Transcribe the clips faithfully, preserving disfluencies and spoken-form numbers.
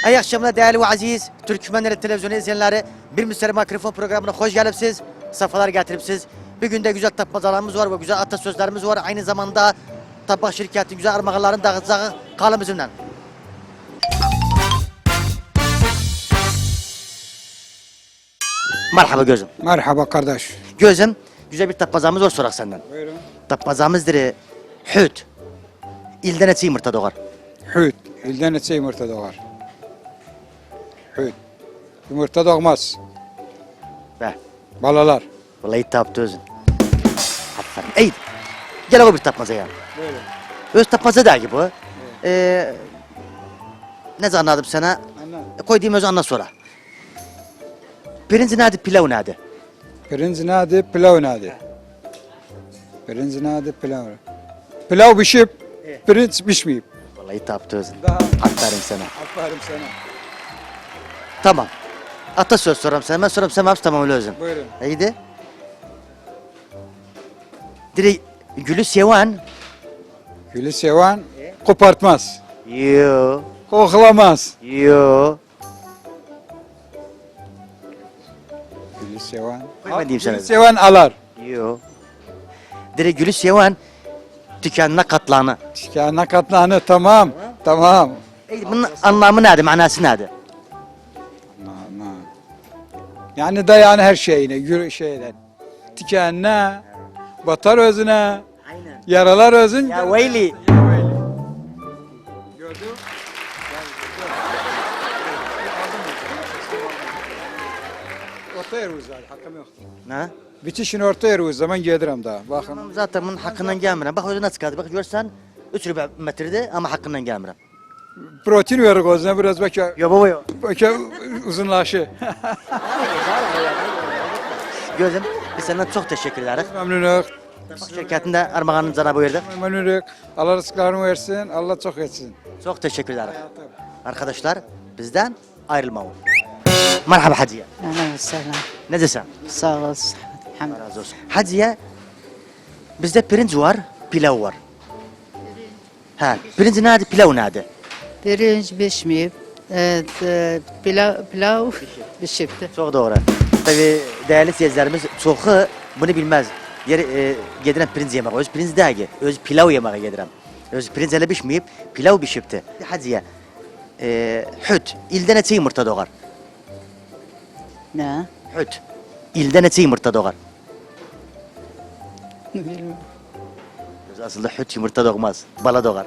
İyi akşamlar değerli ve aziz Türkmenleri televizyonu izleyenleri. Bir Müslüman mikrofon programına hoş geldiniz. Safalar getiripsiz. Bir günde güzel tapmacalarımız var ve güzel atasözlerimiz var. Aynı zamanda tabak şirketi güzel armağanların dağıtacağı kalın bizimle. Merhaba gözüm. Merhaba kardeş. Gözüm, güzel bir tapmacamız var sorak senden. Buyurun. Tapmacamızdır hüt. İlden eti yumurta doğar. Hüt. İlden etse yumurta doğar. Hüt. Yumurta doğmaz. Be. Balalar. Vallahi taptı özün. Aferin. Ey, gel o bir tapmaca ya. Buyurun. Öz tapmaca der ki bu. Ee, ne zaman anladım sana? Anladım. E, koyduğum özü anla sonra. Pirinci nerede, pilav nerede? Pirinç nadi, pilav nadi. Pirinç nadi, pilav. Pilav pişip, pirinç pişmeyip. Vallahi taptı özün. Daha. Aferin sana. Aferin sana. Tamam. Atasöz soram sana. Ben soram sana hepsi tamam öyle özün. Buyurun. İyiydi. Direkt gülü seven. Gülü seven kopartmaz. Yo. Koklamaz. Yo. Gülü seven. Koy ben diyeyim sana. Gülü seven alar. Yo. Direkt gülü seven tükenine katlanı. Şikâna katlanı tamam. Tamam. Ey, bunun anlamı nerede, manası nerede? Na, na. Yani dayan her şeyine, yürü şeyden. Tikenine, batar özüne, Aynen. yaralar özün. Ya veyli. Ya veyli. Gördün? Orta yer uzar, hakkım yok. Ne? Bitişin orta yer uz zaman gelirim daha. Bakın. Tamam, zaten bunun hakkından gelmirəm. Bak özü nasıl kaldı. Bak görsen üç rübe metrede ama hakkından gelmirəm. Protein verir gözüne biraz belki, Yo baba yo. belki uzunlaşı. Gözüm biz senden çok teşekkür ederiz. Memnunuk. Bak şirketinde armağanını cana buyurdu. Memnunuk. Allah rızıklarını versin, Allah çok etsin. Çok teşekkür ederiz. Arkadaşlar bizden ayrılmayın. Merhaba Hacıya. أهلا وسهلا Ne desen? sağ olasın. الحمد Razı olsun. Hacıya bizde pirinç var, pilav var. Ha, pirinç nerede, pilav nerede? Pirinç pişmeyip evet, e, pilav, pilav pişipti. Çok doğru. Tabii değerli seyircilerimiz çoğu bunu bilmez. Yer e, gediren pirinç yemek. Öz pirinç değil, öz pilav yemeğe gediren. Öz pirinç hele pişmeyip pilav pişipti. Hacıya, e, hüt, ilden eti yumurta doğar. Ne? Hüt, ilden eti yumurta doğar. Bilmiyorum. Öz aslında hüt yumurta doğmaz, bala doğar.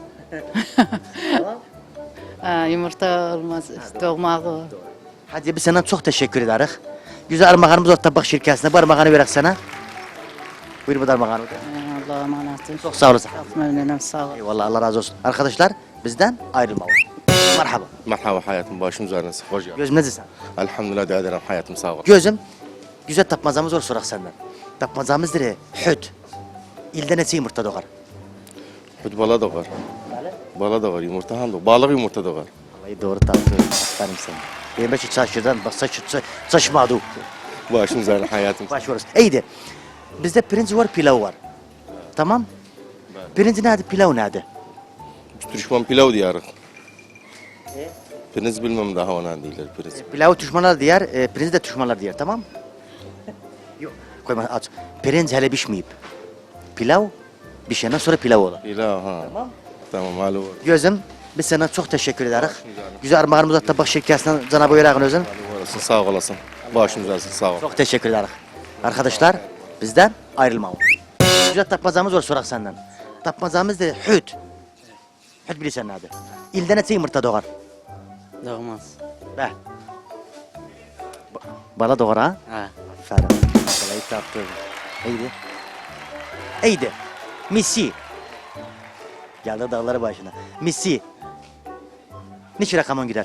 Ha, yumurta olmaz, doğmağı. Hacıya biz senden çok teşekkür ederiz. Güzel armağanımız var tabak şirketine. Bu armağanı verek sana. Buyur bu da armağanı. Allah'a emanetim. Çok sağ olasın. Çok memnunum, sağ ol. Eyvallah, Allah razı olsun. Arkadaşlar bizden ayrılmayın. Merhaba. Merhaba hayatım, başım üzerine hoş geldin. Gözüm ne desen? Elhamdülillah de ederim hayatım, sağ ol. Gözüm, güzel tapmazamız var sorak senden. Tapmazamızdır hüt. İlden eti yumurta doğar. Hüt bala da var. Bala da var, yumurta ham da, balık yumurta da var. Vallahi doğru taptı. Aferin sana. Benim başı çarşıdan bak saç, saç, saçmadı. Başım üzerine hayatım. Baş orası. İyiydi. Bizde pirinç var, pilav var. Tamam? Pirinç nerede, pilav nerede? Türkmen pilav diyarı. Pirinç bilmem daha ona değiller pirinç. Pilavı düşmanlar diyer, e, pirinci de düşmanlar diyer, tamam mı? Yok. Koyma aç. Pirinç hele pişmeyip. Pilav pişenden sonra pilav olur. Pilav ha. Tamam. Tamam, halı var. Gözüm, biz sana çok teşekkür ederiz. Güzel armağanımızı da tabak şirketinden Cenab-ı Yüreğin özün. Halı olasın, sağ olasın. Başım üzerine sağ ol. Çok teşekkür ederiz. Arkadaşlar, bizden ayrılmayın. Güzel tapmazamız var sorak senden. Tapmazamız da hüt. Hüt bilirsen nerede? İlden eti yumurta doğar. Doğmaz. Be. Ba- Bala doğar ha? Ha. Aferin. Balayı taptı. İyiydi. İyiydi. Misi. Geldi dağları başına. Misi. Niçin rakamın gider?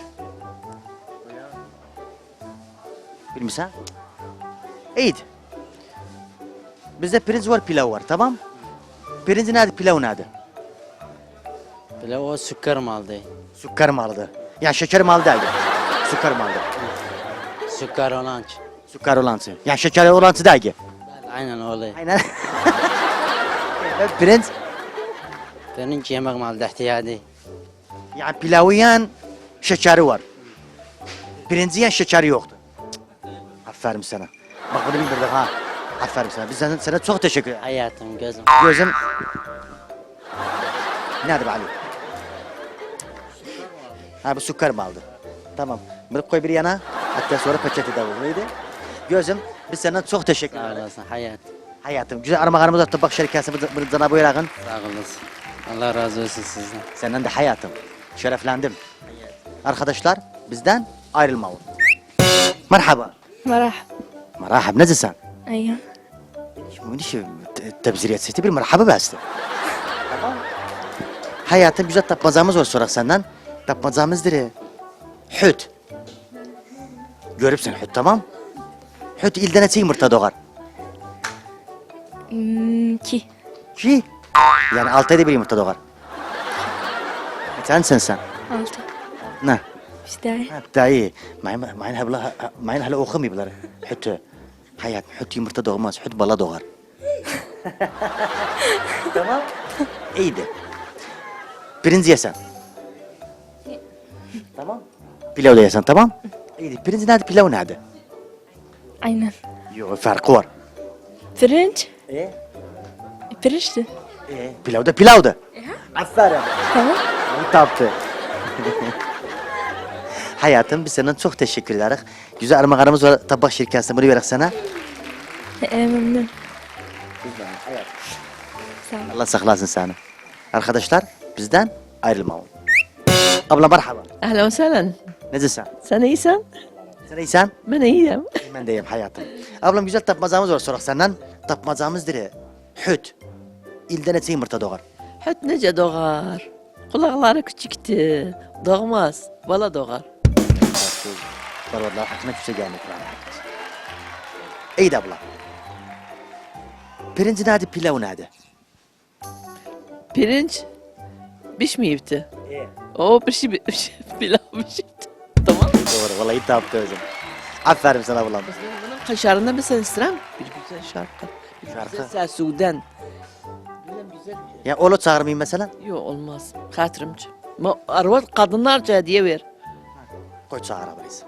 Bilmişsen? İyiydi. Bizde pirinç var, pilav var, tamam? Pirinci nerede, pilav nerede? Pilav o sükker maldı. Sükker mi aldı? Yani şeker mi aldı değil. Sükker mi aldı? Sükker olan. Sükker olansı. Yani şeker olansı değil. Aynen öyle. Aynen. Pirinç Pirinç yemek maldı ihtiyadi. yani pilavı yiyen şekeri var. Pirinci şekeri yoktu. Cık, aferin sana. Bak bunu bildirdik ha. Aferin sana. Biz sana, sana çok teşekkür ederiz. Hayatım gözüm. Gözüm... Nerede be Ali? Ha bu sukar mı aldı? Tamam. Bunu koy bir yana. Hatta sonra paketi de olur. Neydi? Gözüm biz sana çok teşekkür Sağ ederiz. olasın hayat. Hayatım güzel armağanımız var. Tabak şirkası bunu sana buyurağın. Sağ olasın. Allah razı olsun sizden. Senden de hayatım. Şereflendim. Arkadaşlar bizden ayrılmayın. Merhaba. مرحبا Merhaba. Nasılsın? أيوة Şimdi şu tebziriyet sesi bir merhaba bastı. Tamam. Hayatım güzel tapmazamız var sorak senden. Tapmazamızdır. Hüt. Görüpsün hüt tamam. Hüt ilden etse yumurta doğar. أمم، كي Ki yani altı ayda bir yumurta doğar. Sensin sen. ألتا Ne? إيش داعي Ha, daha iyi. Mayın mayın habla mayın hala okumayıblar. Hüt. Hayat hüt yumurta doğmaz. Hüt bala doğar. Tamam. İyiydi. Pirinci yesen. Tamam. Pilav da yesen tamam. İyiydi. Pirinci nerede pilav nerede? aynen Yok farkı var. فرنج E? فرشته E? Pilav da pilav da. Aferin. tamam Onu taptı. Hayatım biz sana çok teşekkür ederiz. Güzel armağanımız var tabak şirketine bunu verek sana. إيه، ممنون sağ ol. Allah saklasın seni. Arkadaşlar bizden ayrılmayın. Abla merhaba. أهلا وسهلا Nasılsın? sen iyisin? Sen iyisin? Ben iyiyim. Ben de iyiyim hayatım. Ablam güzel tapmazamız var sorak senden. Tapmazamızdır. Hüt. İlden etse yumurta doğar. Hüt nece doğar? Kulakları küçüktü. Doğmaz. Bala doğar. Vallahi hakkına küse gelmek var. İyi de abla. Pirinci nerede pilav nerede? Pirinç pişmeyipti. O pişi bitmiş. Pilav pişipti. Tamam. Doğru vallahi taptı özüm. Aferin sana ablam. Bunun kaşarında bir sen istirem. Bir güzel şarkı. Bir Şarkı? güzel Sudan. Güzel güzel. Ya oğlu çağırmayayım mesela. Yok olmaz. Hatırımcı. Ma arvat kadınlarca hediye ver. Koy çağır abayız.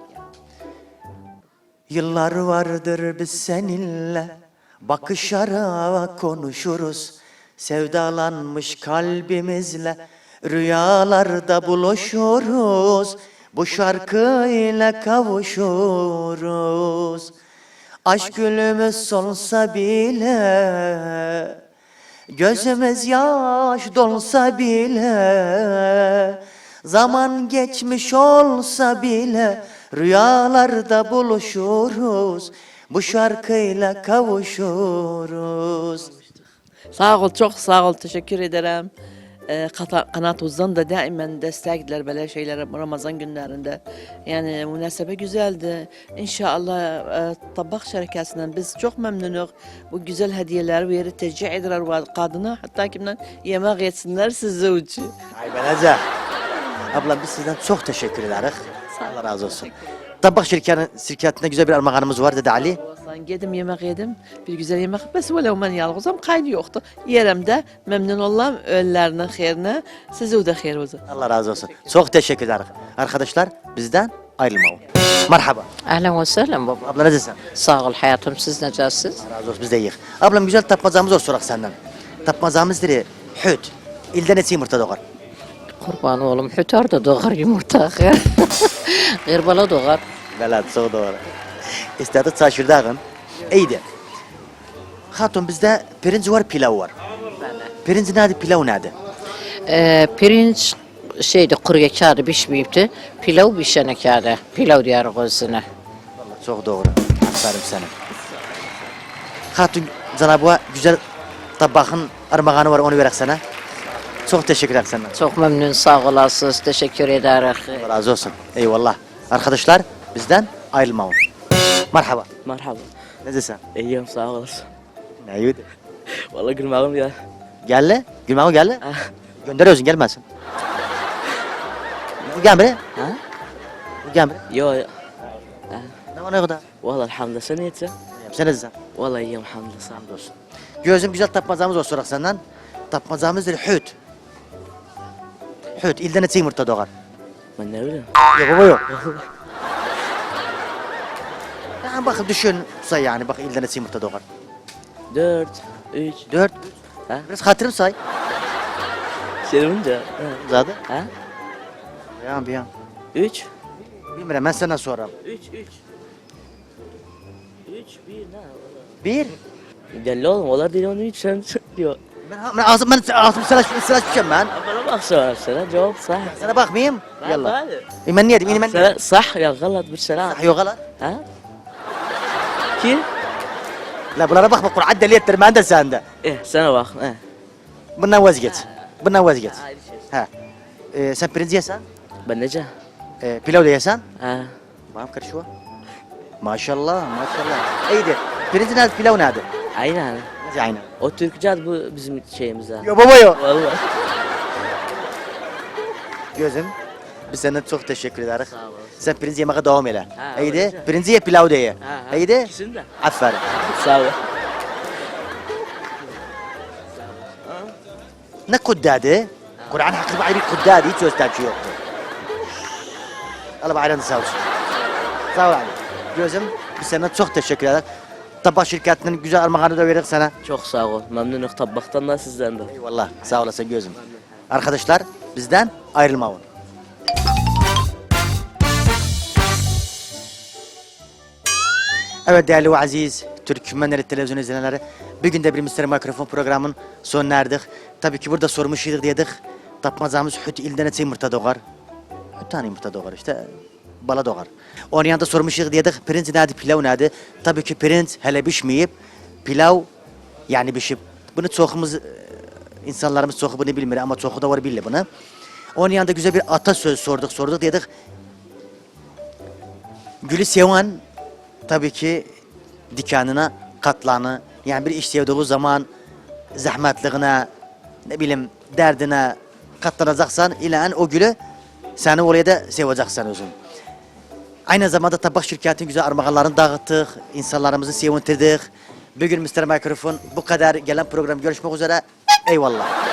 Yıllar vardır biz seninle bakışarak konuşuruz. Sevdalanmış kalbimizle rüyalarda buluşuruz. Bu şarkıyla kavuşuruz. Aşk gülümüz solsa bile, gözümüz yaş dolsa bile, zaman geçmiş olsa bile, rüyalarda buluşuruz. Bu şarkıyla kavuşuruz. Sağ ol, çok sağ ol. Teşekkür ederim. Ee, kata- Kanat Uz'dan da daimen destekler böyle şeylere Ramazan günlerinde. Yani münasebe güzeldi. İnşallah e, tabak şirketinden biz çok memnunuz. Bu güzel hediyeler veri tercih ederler ve kadına hatta kimden yemek yetsinler size uçu. Ay ben Ece. Ablam biz sizden çok teşekkür ederiz. Allah razı olsun. Tabak şirketine, şirketinde güzel bir armağanımız var dedi Ali. Olsan yedim yemek yedim. Bir güzel yemek. Bes velev ben yalğızam kaydı yoktu. Yerimde memnun olam öllerinin hayrine. Size de hayır olsun. Allah razı olsun. Çok teşekkür ederiz. Arkadaşlar bizden ayrılmayın. Merhaba. Ahlan ve sehlen baba. Abla nasılsın? Sağ ol hayatım, siz necəsiz? Allah razı olsun biz de iyiyiz. Ablam güzel tapmazamız var sorak senden. Tapmazamızdır hüt. İlden etse yumurta doğar. Kurban oğlum, hütar da doğar yumurta. Gırbala doğar. Belat çok doğru. İstedi çaşırdağın. İyiydi. Hatun bizde pirinç var pilav var. Pirinç nerede pilav nerede? Ee, pirinç şeydi, kuruya kağıdı pişmeyipti. Pilav pişene kağıdı. Pilav diyarıq özüne. Vallahi çok doğru. Aferin sana. Hatun Cenab-ı güzel tabakın armağanı var onu verek sana. Çok teşekkür ederim senden. Çok memnun, sağ olasınız. Teşekkür ederiz. Allah razı olsun. Eyvallah. Arkadaşlar bizden ayrılmayın. Merhaba. Merhaba. Nasılsın? İyiyim sağ olasın. Ne yedi? Vallahi gülmağım ya. Gel. Gülmem gel. Gönderiyorsun gelmesin. Gel buraya. Ha? Gel buraya. Yo. Ne var ne kadar? Vallahi elhamdülillah sen iyisin. Sen nasılsın? Vallahi iyiyim elhamdülillah sağ ol. Hamdolsun. Gözüm güzel tapmazamız var sorak senden. Tapmazamızdır hüt. Hüt ilden etse yumurta doğar. Ben ne bileyim. Yok baba yok. Yani bakın düşün say yani bak ilden etsi yumurta doğar. Dört, üç, Dört. Ha? Biraz hatırım say. şey bunca. Ha? Zaten. Ha? Bir an bir an. Üç. Bilmiyorum ben sana sorarım. Üç, üç. Üç, bir ne? Bir. Belli oğlum, onlar değil onu üç sen diyor. Ben, ben ağzım ben ağzım sıra sıra düşeceğim ben. Bana bak sonra sana cevap sah. Sana bakmayayım. Yallah. Hadi. E ben ne diyeyim? Ben Sana sah ya galat bir selam. yok lan. Ha? Kim? La bunlara bakma Kur'an deli ettir ben de sende. Eh sana bak. Eh. Bundan vazgeç. Bundan vazgeç. Ayrı şey. Ha. Ee, sen pirinç yesen, Ben nece? e, pilav da yesen. Ha. Bana karışıyor. Maşallah maşallah. İyiydi. Pirinç nerede pilav nerede? Aynen. Nasıl aynı? O Türkçe bu bizim şeyimiz ha. Yo baba yo. Vallahi. Gözüm. Biz sana çok teşekkür ederiz. Sağ ol. Sen pirinç yemeye devam eyle. Ha, İyiydi. öylece. Pirinç ye pilav da ye. Ha, ha. İyiydi. İkisini de. Aferin. Sağ ol. Ne kuddadı? Kur'an hakkı bari bir kuddadı. Hiç söz tercih yoktu. Allah bayramını sağ olsun. Sağ ol abi. Gözüm biz sana çok teşekkür ederiz. Tabak şirketinin güzel armağanı da verdik sana. Çok sağ ol. Memnunum tabaktan da sizden de. Eyvallah sağ olasın gözüm. Arkadaşlar bizden ayrılmayın. Evet değerli ve aziz Türkmenleri televizyon izleyenleri, bugün de bir Mister Mikrofon programının sonuna erdik. Tabii ki burada sormuşyduk dedik. Tapmazamız hüt ilden etse yumurta doğar. Hüt tane yumurta doğar işte. Bala doğar. Onun yanında sormuşyduk dedik. Pirinç nerede, pilav nerede? Tabii ki pirinç hele pişmeyip pilav yani pişip. Bunu çoğumuz e, insanlarımız çoğu bunu bilmiyor ama çoğu da var bilir bunu. Onun yanında güzel bir atasöz sorduk sorduk dedik. Gülü seven tabii ki dikanına katlanı yani bir iş sevdiği zaman zahmetliğine ne bileyim derdine katlanacaksan ilan o gülü seni oraya da seveceksin özün. Aynı zamanda tabak şirketinin güzel armağanlarını dağıttık, insanlarımızı sevindirdik. Bugün Mister Mikrofon bu kadar gelen program görüşmek üzere. Eyvallah.